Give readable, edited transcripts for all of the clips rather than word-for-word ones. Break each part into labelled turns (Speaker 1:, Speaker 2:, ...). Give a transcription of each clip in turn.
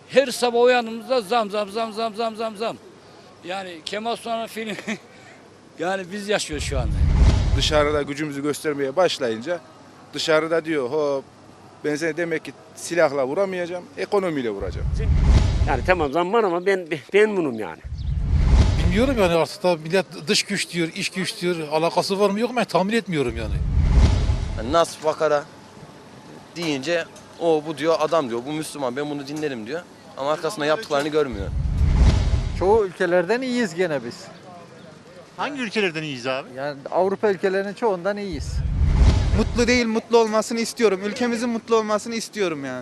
Speaker 1: Her sabah uyandığımızda zam zam zam zam zam zam zam. Yani Kemal Sunal'ın filmi yani biz yaşıyoruz şu anda.
Speaker 2: Dışarıda gücümüzü göstermeye başlayınca dışarıda diyor hop ben seni demek ki silahla vuramayacağım, ekonomiyle vuracağım.
Speaker 3: Yani tamam zam var ama ben bunum yani.
Speaker 4: Bilmiyorum yani artık da millet dış güç diyor, iç güç diyor. Alakası var mı yok mu ben tahmin etmiyorum yani.
Speaker 5: Yani Nas Bakara deyince o bu diyor adam diyor bu Müslüman ben bunu dinlerim diyor. Ama arkasında yaptıklarını görmüyor.
Speaker 6: Çoğu ülkelerden iyiyiz gene biz.
Speaker 7: Hangi ülkelerden iyiyiz abi?
Speaker 6: Yani Avrupa ülkelerinin çoğundan iyiyiz.
Speaker 8: Mutlu değil, mutlu olmasını istiyorum. Ülkemizin mutlu olmasını istiyorum yani.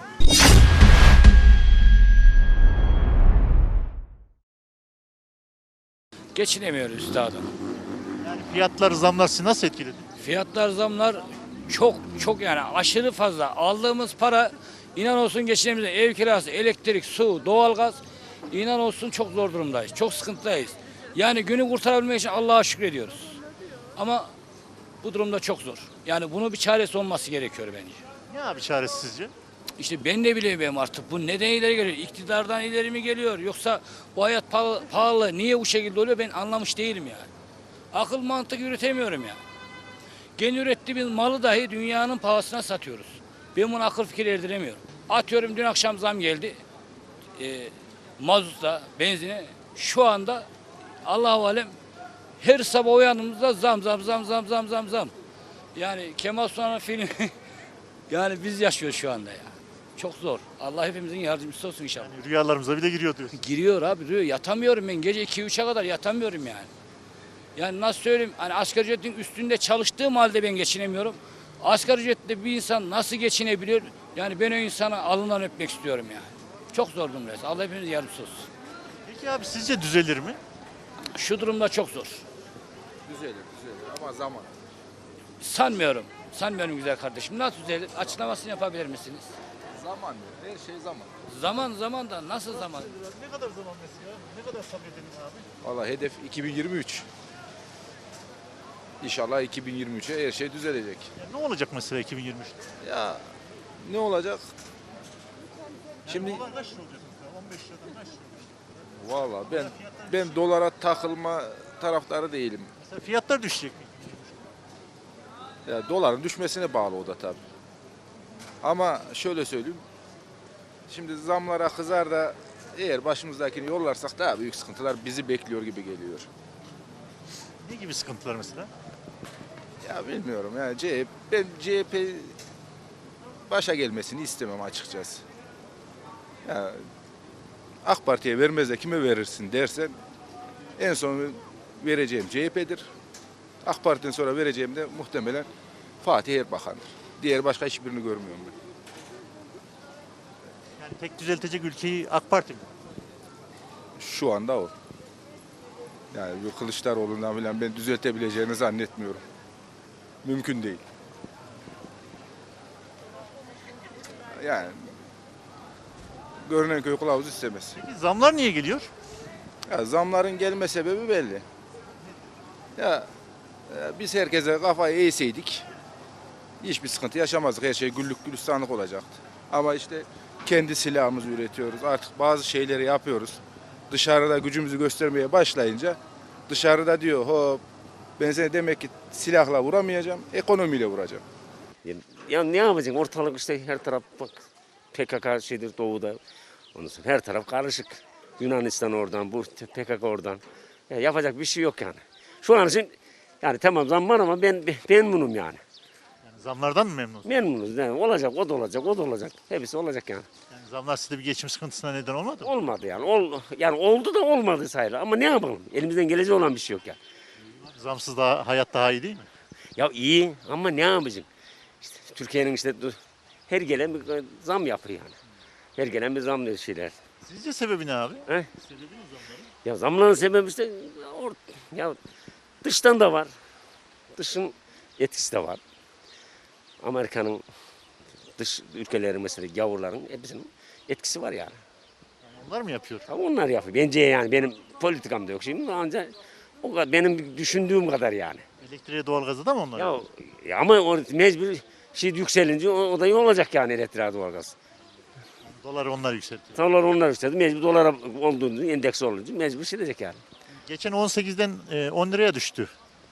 Speaker 1: Geçinemiyoruz üstadım.
Speaker 7: Yani fiyatlar, zamlar sizi nasıl etkiledi?
Speaker 1: Fiyatlar zamlar çok yani aşırı fazla. Aldığımız para inan olsun geçinemiyoruz. Ev kirası, elektrik, su, doğalgaz inan olsun çok zor durumdayız. Çok sıkıntıdayız. Yani günü kurtarabilmek için Allah'a şükrediyoruz. Ama bu durumda çok zor. Yani bunun bir çaresi olması gerekiyor bence.
Speaker 7: Ne abi çaresi sizce?
Speaker 1: İşte ben de bilemiyorum artık bu neden ileri geliyor? İktidardan ileri mi geliyor? Yoksa bu hayat pahalı niye bu şekilde oluyor ben anlamış değilim yani. Akıl mantık yürütemiyorum yani. Kendi ürettiğimiz malı dahi dünyanın pahasına satıyoruz. Ben bunu akıl fikir erdiremiyorum. Atıyorum dün akşam zam geldi. Mazota, benzine. Şu anda Allah-u Alem her sabah uyandığımızda zam zam zam zam zam zam zam. Yani Kemal Sunal'ın filmi yani biz yaşıyoruz şu anda ya. Çok zor. Allah hepimizin yardımcısı olsun inşallah.
Speaker 7: Yani rüyalarımıza bile giriyor diyorsun.
Speaker 1: Giriyor abi diyor. Yatamıyorum ben. Gece 2-3'e kadar yatamıyorum yani. Yani nasıl söyleyeyim? Hani asgari ücretin üstünde çalıştığım halde ben geçinemiyorum. Asgari ücretle bir insan nasıl geçinebiliyor? Yani ben o insana alından öpmek istiyorum yani. Çok zor durumdayız. Allah hepimiz yardımcısı olsun.
Speaker 7: Peki abi sizce düzelir mi?
Speaker 1: Şu durumda çok zor.
Speaker 2: Düzelir ama zaman.
Speaker 1: Sanmıyorum. Sanmıyorum güzel kardeşim. Nasıl düzelir? Açıklamasını yapabilir misiniz?
Speaker 2: Zaman diyor, her şey zaman.
Speaker 1: Zaman da nasıl zaman?
Speaker 7: Ne kadar zaman mesela? Ne kadar sabredelim abi?
Speaker 2: Valla hedef 2023. İnşallah 2023'e her şey düzelecek.
Speaker 7: Yani ne olacak mesela 2023'te?
Speaker 2: Ya ne olacak? Şimdi
Speaker 7: Dolar kaç lira olacak mesela? 15 liradan kaç lira olacak?
Speaker 2: valla ben dolara takılma taraftarı değilim.
Speaker 7: Mesela fiyatlar düşecek mi?
Speaker 2: Ya doların düşmesine bağlı o da tabii. Ama şöyle söyleyeyim. Şimdi zamlara kızar da eğer başımızdakini yollarsak daha büyük sıkıntılar bizi bekliyor gibi geliyor.
Speaker 7: Ne gibi sıkıntılar mesela?
Speaker 2: Ya bilmiyorum yani ben CHP başa gelmesini istemem açıkçası. Ya AK Parti'ye vermez de kime verirsin dersen en son vereceğim CHP'dir. AK Parti'den sonra vereceğim de muhtemelen Fatih Erbakan'dır. Diğer başka hiçbirini görmüyorum ben.
Speaker 7: Yani tek düzeltecek ülkeyi AK Parti mi?
Speaker 2: Şu anda o. Yani bu Kılıçdaroğlu'ndan falan ben düzeltebileceğini zannetmiyorum. Mümkün değil. Yani görünen köy kılavuz istemez.
Speaker 7: Peki zamlar niye geliyor?
Speaker 2: Ya zamların gelme sebebi belli. Ya biz herkese kafayı eğseydik hiçbir sıkıntı yaşamazdık. Her şey güllük gülistanlık olacaktı. Ama işte kendi silahımızı üretiyoruz. Artık bazı şeyleri yapıyoruz. Dışarıda gücümüzü göstermeye başlayınca dışarıda diyor hop ben seni demek ki silahla vuramayacağım, ekonomiyle vuracağım.
Speaker 3: Ya ne yapacaksın? Ortalık işte her taraf bak PKK şeydir doğuda. Ondan sonra her taraf karışık. Yunanistan oradan, bu PKK oradan. Ya yapacak bir şey yok yani. Şu an için yani tamam zam var ama ben bunum yani.
Speaker 7: Yani zamlardan mı memnunsunuz?
Speaker 3: Memnunuz yani. Olacak, o da olacak, o da olacak. Hepsi olacak yani.
Speaker 7: Yani zamlar size bir geçim sıkıntısına neden olmadı mı?
Speaker 3: Olmadı yani. Yani oldu da olmadı sayılır. Ama ne yapalım? Elimizden gelecek olan bir şey yok yani.
Speaker 7: Zamsız daha hayat daha iyi değil mi?
Speaker 3: Ya iyi ama ne yapacaksın? İşte Türkiye'nin işte her gelen bir zam yapıyor yani. Her gelen bir zam diyor şeyler.
Speaker 7: Sizce sebebi ne abi?
Speaker 3: He?
Speaker 7: Sebebi ne zamların?
Speaker 3: Ya zamların sebebi işte ya dıştan da var. Dışın etkisi de var. Amerika'nın dış ülkelerin mesela gavurların hepsinin etkisi var yani.
Speaker 7: Yani onlar mı yapıyor?
Speaker 3: Ya onlar yapıyor. Bence yani benim politikam da yok şimdi ancak o kadar, benim düşündüğüm kadar yani.
Speaker 7: Elektriğe doğalgazı da mı onlar?
Speaker 3: Ya ama o mecbur şey yükselince o da iyi olacak yani elektriğe doğalgaz.
Speaker 7: Doları onlar yükseltiyor.
Speaker 3: Dolar onlar yükseldi. Mecbur dolara olduğunu endeks olunca mecbur silecek yani.
Speaker 7: Geçen 18'den 10 liraya düştü.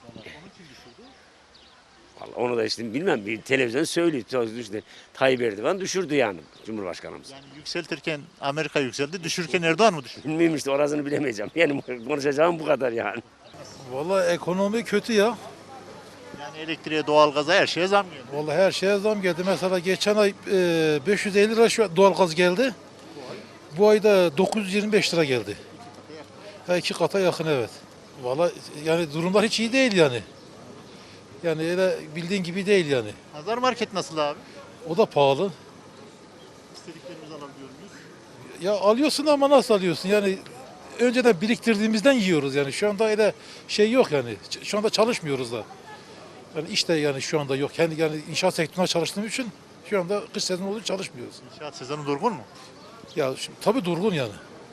Speaker 3: Vallahi onu da işte bilmem bir televizyon söylüyor. İşte Tayyip Erdoğan düşürdü yani Cumhurbaşkanımız.
Speaker 7: Yani yükseltirken Amerika yükseldi, düşürürken Erdoğan mı düşürdü?
Speaker 3: Bilmiyorum işte orasını bilemeyeceğim. Yani konuşacağım bu kadar yani.
Speaker 4: Vallahi ekonomi kötü ya.
Speaker 7: Yani elektriğe, doğalgaza her şeye zam geldi.
Speaker 4: Vallahi her şeye zam geldi. Mesela geçen ay 550 lira şu doğalgaz geldi. Bu ayda 925 lira geldi. Ha, 2 kata yakın evet. Vallahi yani durumlar hiç iyi değil yani. Yani öyle bildiğin gibi değil yani.
Speaker 7: Pazar market nasıl abi?
Speaker 4: O da pahalı.
Speaker 7: İstediklerimizi alabiliyor muyuz?
Speaker 4: Ya alıyorsun ama nasıl alıyorsun? Yani önceden biriktirdiğimizden yiyoruz yani. Şu anda öyle şey yok yani. Şu anda çalışmıyoruz da. Yani işte yani şu anda yok. Kendi yani inşaat sektöründe çalıştığım için şu anda kış sezonu olduğu için çalışmıyoruz.
Speaker 7: İnşaat sezonu durgun mu?
Speaker 4: Ya şimdi, tabii durgun yani.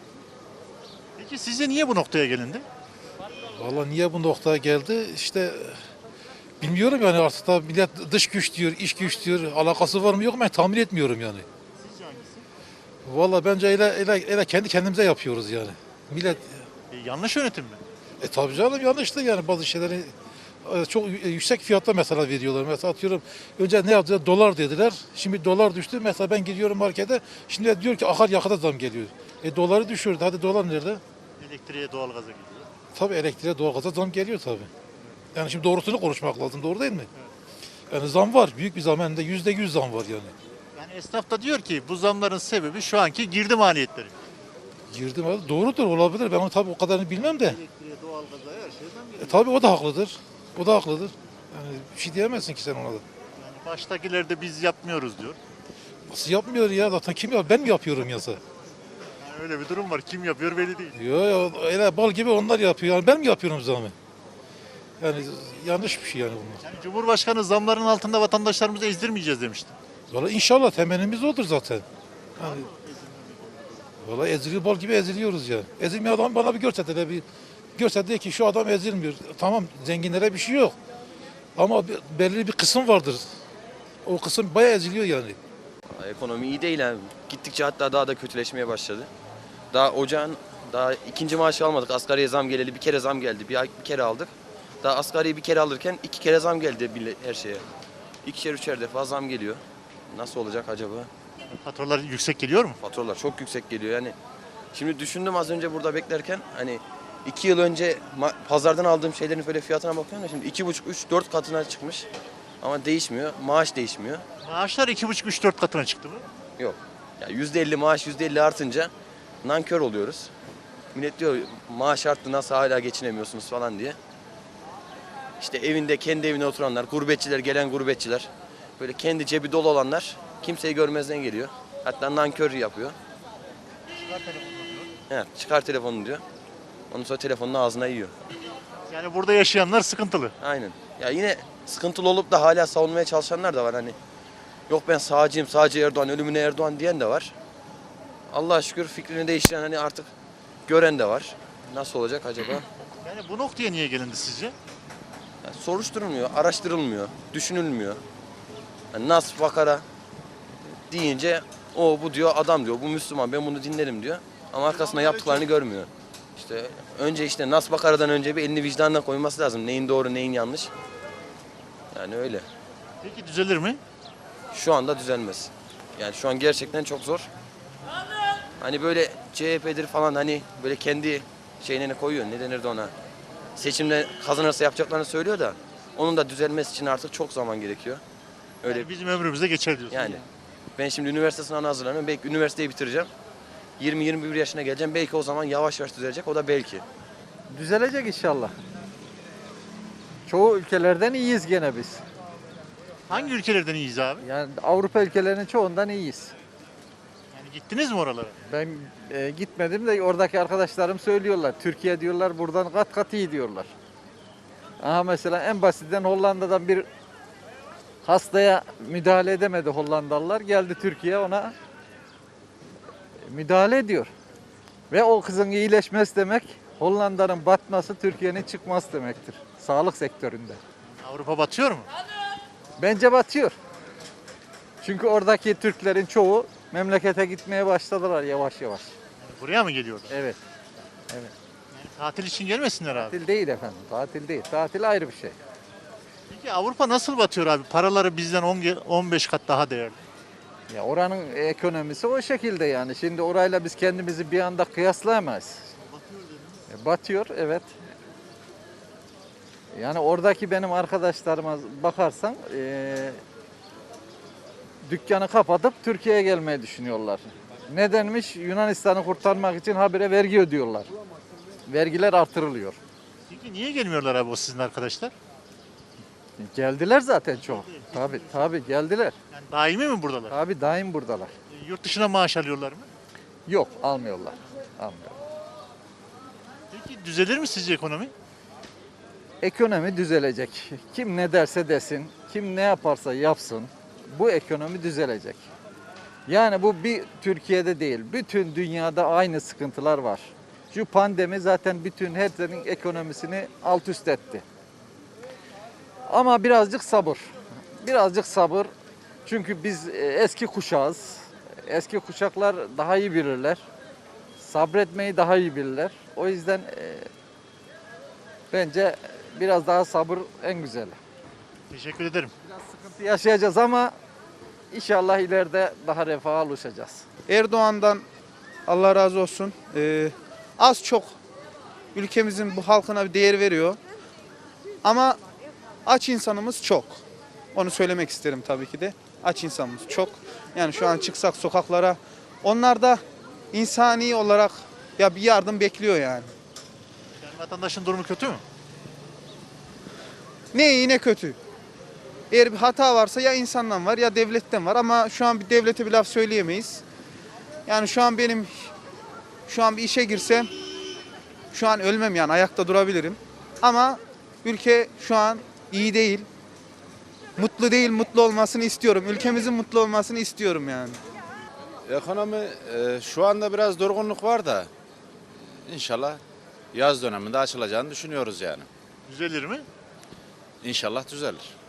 Speaker 7: Peki sizce niye bu noktaya gelindi?
Speaker 4: Vallahi niye bu noktaya geldi? İşte bilmiyorum yani artık da millet dış güç diyor, iç güç diyor. Alakası var mı yok mu ben tahmin etmiyorum yani.
Speaker 7: Sizce hangisi?
Speaker 4: Vallahi bence öyle kendi kendimize yapıyoruz yani. Millet
Speaker 7: Yanlış yönetim mi?
Speaker 4: tabii canım yanlıştı yani bazı şeyleri çok yüksek fiyatta mesela veriyorlar. Mesela atıyorum önce ne yaptılar? Dolar dediler. Şimdi dolar düştü. Mesela ben gidiyorum markete. Şimdi diyor ki akaryakıta zam geliyor. Doları düşürdü. Hadi dolar nerede?
Speaker 7: Elektriğe, doğalgaza gidiyor.
Speaker 4: Tabii elektriğe, doğalgaza zam geliyor tabii. Yani şimdi doğrusunu konuşmak lazım. Doğru değil mi? Yani zam var. Büyük bir zam. Hem de %100 zam var yani.
Speaker 7: Yani esnaf da diyor ki bu zamların sebebi şu anki girdi maliyetleri.
Speaker 4: Girdim abi. Doğrudur olabilir. Ben onu tabii o kadarını bilmem de.
Speaker 7: Elektriğe, doğalgaza her şeye zam geliyor.
Speaker 4: Tabii o da haklıdır. O da haklıdır. Yani bir şey diyemezsin ki sen ona da.
Speaker 7: Yani baştakiler de biz yapmıyoruz diyor.
Speaker 4: Nasıl yapmıyor ya? Zaten kim yapıyor? Ben mi yapıyorum yasa?
Speaker 7: Yani öyle bir durum var. Kim yapıyor belli değil.
Speaker 4: Yok öyle bal gibi onlar yapıyor. Yani ben mi yapıyorum zamı? Yani yanlış bir şey yani bunlar.
Speaker 7: Yani Cumhurbaşkanı zamların altında vatandaşlarımızı ezdirmeyeceğiz demişti.
Speaker 4: Valla inşallah temennimiz odur zaten. Yani, valla eziliyor bal gibi eziliyoruz ya. Ezilmeyen adam bana bir görse de görse de ki şu adam ezilmiyor. Tamam zenginlere bir şey yok. Ama belirli bir kısım vardır. O kısım bayağı eziliyor yani.
Speaker 5: Ekonomi iyi değil yani. Gittikçe hatta daha da kötüleşmeye başladı. Daha ocağın daha ikinci maaşı almadık. Asgariye zam geleli bir kere zam geldi. Bir kere aldık. Daha asgariyi bir kere alırken 2 kere zam geldi her şeye. 2'şer 3'er defa zam geliyor. Nasıl olacak acaba?
Speaker 7: Faturalar yüksek geliyor mu?
Speaker 5: Faturalar çok yüksek geliyor yani. Şimdi düşündüm az önce burada beklerken hani 2 yıl önce pazardan aldığım şeylerin böyle fiyatına bakıyorum da şimdi 2,5, 3, 4 katına çıkmış. Ama değişmiyor. Maaş değişmiyor.
Speaker 7: Maaşlar 2,5-3-4 katına çıktı mı?
Speaker 5: Yok. Ya %50 maaş %50 artınca nankör oluyoruz. Millet diyor maaş arttı nasıl hala geçinemiyorsunuz falan diye. İşte evinde kendi evine oturanlar, gurbetçiler, gelen gurbetçiler, böyle kendi cebi dolu olanlar kimseyi görmezden geliyor. Hatta nankör yapıyor. Evet, çıkar telefonunu diyor. Ondan sonra telefonunu ağzına yiyor.
Speaker 7: Yani burada yaşayanlar sıkıntılı.
Speaker 5: Aynen. Ya yine sıkıntılı olup da hala savunmaya çalışanlar da var hani. Yok ben sağcıyım, sağcı Erdoğan, ölümüne Erdoğan diyen de var. Allah'a şükür fikrini değiştiren hani artık gören de var. Nasıl olacak acaba?
Speaker 7: Yani bu noktaya niye gelindi sizce?
Speaker 5: Yani soruşturulmuyor, araştırılmıyor, düşünülmüyor. Yani nas vakara deyince o bu diyor adam diyor, bu Müslüman ben bunu dinlerim diyor. Ama arkasında yaptıklarını görmüyor. İşte önce işte nas vakaradan önce bir elini vicdanına koyması lazım. Neyin doğru neyin yanlış. Yani öyle.
Speaker 7: Peki düzelir mi?
Speaker 5: Şu anda düzelmez. Yani şu an gerçekten çok zor. Hani böyle CHP'dir falan hani böyle kendi şeyine koyuyor. Ne denirdi ona? Seçimde kazanırsa yapacaklarını söylüyor da onun da düzelmesi için artık çok zaman gerekiyor. Öyle
Speaker 7: Yani bizim ömrümüzde geçer diyorsun.
Speaker 5: yani. Ben şimdi üniversite sınavına hazırlanıyorum. Belki üniversiteyi bitireceğim. 20-21 yaşına geleceğim. Belki o zaman yavaş yavaş düzelecek. O da belki.
Speaker 6: Düzelecek inşallah. Çoğu ülkelerden iyiyiz gene biz.
Speaker 7: Hangi ülkelerden iyiyiz abi?
Speaker 6: Yani Avrupa ülkelerinin çoğundan iyiyiz.
Speaker 7: Yani gittiniz mi oralara?
Speaker 6: Ben gitmedim de oradaki arkadaşlarım söylüyorlar. Türkiye diyorlar buradan kat kat iyi diyorlar. Aha mesela en basitinden Hollanda'dan bir hastaya müdahale edemedi Hollandalılar. Geldi Türkiye ona müdahale ediyor. Ve o kızın iyileşmesi demek Hollanda'nın batması Türkiye'nin çıkması demektir. Sağlık sektöründe.
Speaker 7: Avrupa batıyor mu?
Speaker 6: Bence batıyor. Çünkü oradaki Türklerin çoğu Memlekete gitmeye başladılar yavaş yavaş.
Speaker 7: Buraya mı geliyorlar?
Speaker 6: Evet.
Speaker 7: Yani tatil için gelmesinler abi.
Speaker 6: Tatil değil efendim. Tatil değil. Tatil ayrı bir şey.
Speaker 7: Peki Avrupa nasıl batıyor abi? Paraları bizden 15 kat daha değerli.
Speaker 6: Ya oranın ekonomisi o şekilde yani. Şimdi orayla biz kendimizi bir anda kıyaslayamayız. Batıyor evet. Yani oradaki benim arkadaşlarıma bakarsan dükkanı kapatıp Türkiye'ye gelmeyi düşünüyorlar. Nedenmiş? Yunanistan'ı kurtarmak için habire vergi ödüyorlar. Vergiler artırılıyor.
Speaker 7: Peki niye gelmiyorlar abi o sizin arkadaşlar?
Speaker 6: Geldiler zaten çok. Tabii geldiler.
Speaker 7: Yani daimi mi buradalar?
Speaker 6: Tabii daim buradalar.
Speaker 7: Yurt dışına maaş alıyorlar mı?
Speaker 6: Yok almıyorlar. Almıyorlar.
Speaker 7: Peki düzelir mi sizce ekonomi?
Speaker 6: Ekonomi düzelecek. Kim ne derse desin, kim ne yaparsa yapsın bu ekonomi düzelecek. Yani bu bir Türkiye'de değil, bütün dünyada aynı sıkıntılar var. Şu pandemi zaten bütün hepsinin ekonomisini alt üst etti. Ama birazcık sabır. Birazcık sabır. Çünkü biz eski kuşağız. Eski kuşaklar daha iyi bilirler. Sabretmeyi daha iyi bilirler. O yüzden bence biraz daha sabır en güzeli.
Speaker 7: Teşekkür ederim.
Speaker 6: Sıkıntı yaşayacağız ama inşallah ileride daha refaha ulaşacağız.
Speaker 8: Erdoğan'dan Allah razı olsun. Az çok ülkemizin bu halkına bir değer veriyor. Ama aç insanımız çok. Onu söylemek isterim tabii ki de. Aç insanımız çok. Yani şu an çıksak sokaklara onlar da insani olarak ya bir yardım bekliyor yani.
Speaker 7: Yani vatandaşın durumu kötü mü?
Speaker 8: Ne iyi ne kötü. Eğer bir hata varsa ya insandan var ya devletten var ama şu an bir devlete bir laf söyleyemeyiz. Yani şu an bir işe girsem şu an ölmem yani ayakta durabilirim. Ama ülke şu an iyi değil. Mutlu değil, mutlu olmasını istiyorum. Ülkemizin mutlu olmasını istiyorum yani.
Speaker 9: Ekonomi şu anda biraz durgunluk var da inşallah yaz döneminde açılacağını düşünüyoruz yani.
Speaker 7: Düzelir mi?
Speaker 9: İnşallah düzelir.